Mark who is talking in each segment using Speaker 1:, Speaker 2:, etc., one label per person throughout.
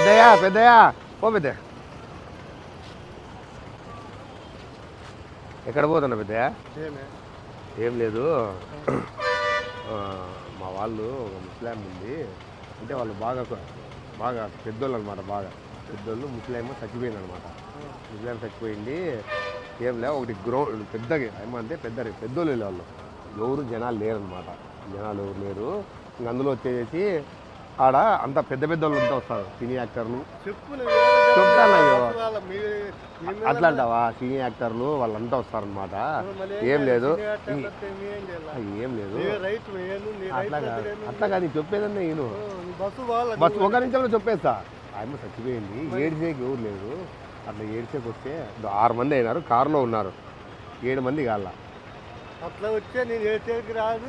Speaker 1: పెద్దయ్యా పెద్దయ్యా ఓ పెద్ద ఎక్కడ పోతున్నా పెద్దయ్యా? ఏం లేదు, మా వాళ్ళు ఒక ముస్లాం ఉంది, అంటే వాళ్ళు బాగా బాగా పెద్దోళ్ళు అనమాట, బాగా పెద్దోళ్ళు. ముస్లాం చచ్చిపోయింది అనమాట. ముస్లాం చచ్చిపోయింది. ఏం లే, ఒకటి గ్రౌండ్ పెద్దగా ఏమంటే పెద్దోళ్ళు వాళ్ళు ఎవరు జనాలు లేరనమాట. జనాలు ఎవరు లేరు. ఇంక అందులో వచ్చేసి ఆడ అంత పెద్ద పెద్దోళ్ళు అంతా వస్తారు. సినీ యాక్టర్లు చెప్తానయ్యో, అట్లా అంటావా? సినీ యాక్టర్లు వాళ్ళంతా వస్తారనమాట. ఏం లేదు ఏం లేదు, అట్లా కాదు చెప్పేదన్నా నేను బస్సు ఒక నిమిషంలో చెప్పేస్తా. ఆయన చచ్చిపోయింది, ఏడ్చేకి ఎవరు లేదు. అట్లా ఏడ్చేకి వస్తే 6 మంది అయినారు, కారులో ఉన్నారు, 7 మంది కాళ్ళ.
Speaker 2: అట్లా వచ్చే నేను ఏడ్చేకి రాదు,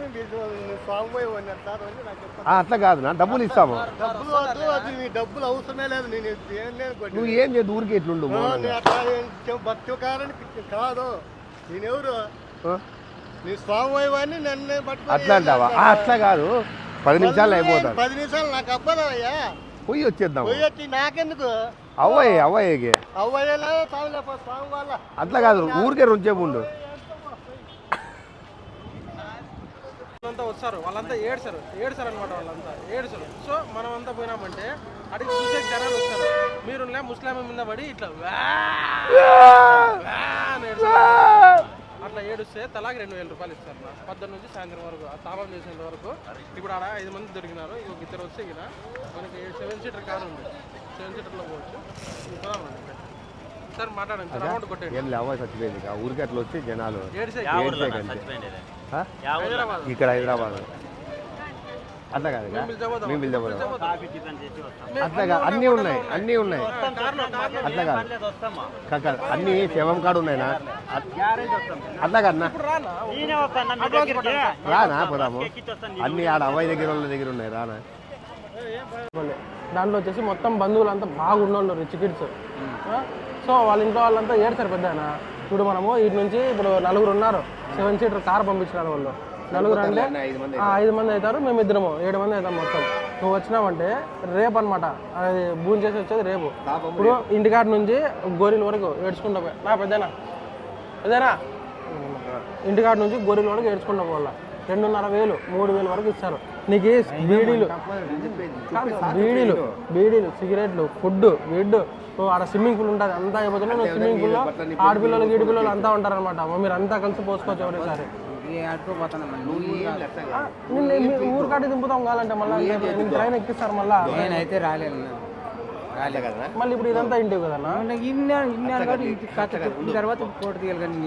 Speaker 1: అట్లా కాదు నా డబ్బులు ఇస్తాము.
Speaker 2: డబ్బులు అవసరమే లేదు. నేను
Speaker 1: నువ్వు ఏం చేయదు, ఊరికి ఎట్లుండు
Speaker 2: భక్తికారానికి కాదు. నేనెవరు? నీ స్వామి నన్ను
Speaker 1: అట్లా అంటావా? అట్లా కాదు, 10 నిమిషాలు అయిపోతాను.
Speaker 2: 10 నిమిషాలు నాకు అవ్వదయ్యా,
Speaker 1: పోయి వచ్చేద్దాం.
Speaker 2: పోయి వచ్చి నాకెందుకు
Speaker 1: అవ్వయ్యకి అట్లా కాదు, ఊరికే రుంచేపు ఉండు.
Speaker 3: వాళ్ళంతా వస్తారు, వాళ్ళంతా ఏడ్చారు అనమాట, వాళ్ళంతా ఏడ్చారు. సో మనం అంతా పోయినామంటే అడిగి చూసే జనాలు వస్తారు. మీరు ముస్లాం మీద పడి ఇట్లా అట్లా ఏడుస్తే తలాకి 2000 రూపాయలు ఇస్తారు. 10 నుంచి సాయంత్రం వరకు ఆ తాపం చేసేంత వరకు. ఇప్పుడు ఆడ 5 మంది దొరికినారు, ఇంకొక 2 వస్తే కదా మనకి 7 సీటర్ కారు ఉంది, 7 సీటర్లో పోవచ్చు. సార్ మాట్లాడండి, అమౌంట్ కొట్టండి.
Speaker 1: ఏం లేవా చచ్చిపోయింది ఊరికి అట్లా వచ్చి జనాలు ఇక్కడ హైదరాబాద్. అట్లా కాదు, మేము పిలిచబోదాం. అట్లా కాదు, అన్నీ ఉన్నాయి అట్లా కాదు, అన్నీ శవం కాడు ఉన్నాయినా. అట్లా కదన్నా, రానా పోదాము. అన్నీ ఆడ అవ్వాయి వాళ్ళ దగ్గర ఉన్నాయి, రానా.
Speaker 3: దాంట్లో వచ్చేసి మొత్తం బంధువులంతా బాగున్నోళ్ళు, రిచ్ కిడ్స్. సో వాళ్ళ ఇంట్లో వాళ్ళంతా ఏడ్చారు పెద్దనా. ఇప్పుడు మనము ఇటు నుంచి ఇప్పుడు 4 ఉన్నారు, 7 సీటర్ కార్ పంపించినారు వాళ్ళు. 4 అంటే 5 మంది అవుతారు, మేము ఇద్దరము 7 మంది అవుతాం మొత్తం. నువ్వు వచ్చినావంటే రేపు అనమాట, అది భూమి చేసి వచ్చేది రేపు. ఇప్పుడు ఇంటికాడ నుంచి గోరీల వరకు ఏడ్చుకుంటా పోయా పెద్దనా ఇంటికాడ నుంచి గోరీల వరకు ఏడ్చుకుంటా పోవాల. 2,500 3,000 వరకు ఇస్తారు నీకు. బీడీలు సిగరెట్లు, ఫుడ్, బెడ్, ఆడ స్విమ్మింగ్ పూల్ ఉంటుంది, అంతా అయిపోతుంది. నువ్వు స్విమ్మింగ్ పూల్లో ఆడపిల్లలు గీడిపిల్లలు అంతా ఉంటారనమాట. మీరు అంతా కలిసి పోసుకోవచ్చు ఎవరేసారి. ఊరు కాటి దింపుతాం కావాలంటే మళ్ళీ ట్రైన్ ఎక్కిస్తారు.
Speaker 2: నేనైతే రాలేదు
Speaker 3: మళ్ళీ ఇప్పుడు ఇదంతా ఇంటివి కదన్నా.
Speaker 2: తర్వాత ఫోటో తీయాలి కానీ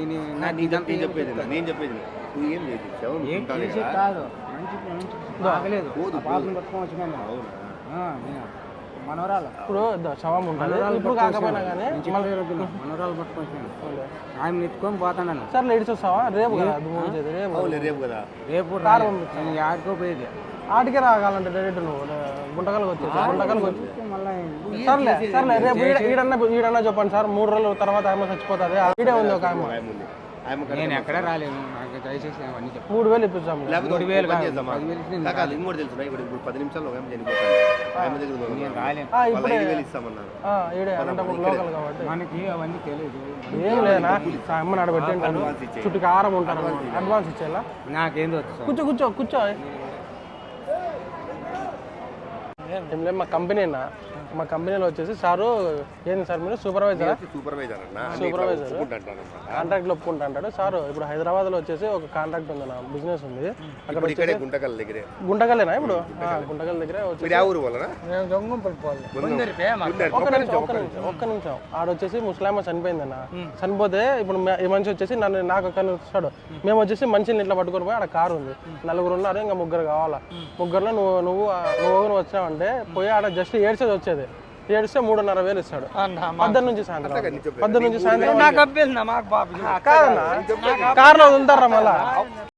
Speaker 2: మనవరాలు
Speaker 3: ఇప్పుడు శవం ఉంటుంది, ఇప్పుడు కాకపోయినా కానీ
Speaker 2: మనవరాలు పట్టుకొని ఆయన ఎత్తుకొని పోతాను.
Speaker 3: సరే లేడీస్ వస్తావా? రేపు కదా
Speaker 1: రేపు
Speaker 2: ఆడుకో పోయేది.
Speaker 3: ఆటికే రాగాలంటే డైరెక్ట్ నువ్వు గుంటకల్కి వచ్చి సర్లే రేపు ఈడన్నా చెప్పండి సార్. 3 రోజుల తర్వాత ఆమె చచ్చిపోతుంది. ఈడే ఉంది ఒక ఆమె.
Speaker 2: నేను ఎక్కడ రాలేను, నాకు దయచేసి అవన్నీ
Speaker 3: 3,000 ఇప్పిస్తాము.
Speaker 1: 3,000 ఇంకోటి తెలుసు, ఇప్పుడు 10 నిమిషాల్లో
Speaker 3: లోకల్ కాబట్టి
Speaker 2: మనకి అవన్నీ తెలియదు.
Speaker 3: ఏం లేనా, అమ్మని ఆడ పెట్టండి, చుట్టూ కారం ఉంటారు. అడ్వాన్స్ ఇచ్చేలా
Speaker 2: నాకేందో
Speaker 3: కూర్చో. ఏం లేదు, మా కంపెనీలో వచ్చేసి సారు ఏంది సార్ మీరు సూపర్వైజర్ కాంట్రాక్ట్లో ఒప్పుకుంటా అంటాడు సారు. ఇప్పుడు హైదరాబాద్లో వచ్చేసి ఒక కాంట్రాక్ట్ ఉంది, నా బిజినెస్ ఉంది అక్కడ. గుంటకల్లేనా? ఇప్పుడు గుంటకల్ దగ్గర ఒక్క నిమిషం ఆడొచ్చేసి ముస్లాం చనిపోయిందన్న. చనిపోతే ఇప్పుడు ఈ మనిషి వచ్చేసి నాకు ఒక్కరిని వస్తాడు. మేము వచ్చేసి మనిషిని ఇట్లా పట్టుకొని పోయి ఆడ కారు ఉంది, 4 ఉన్నారు, ఇంకా 3 కావాలా. 3లో నువ్వు వచ్చినావంటే పోయి ఆడ జస్ట్ ఏడ్చేది వచ్చేది. ఏడిస్తే 3,500 ఇస్తాడు. 10 నుంచి సాయంత్రం కాదన్నా, కార్లో వదులుతారా మళ్ళా.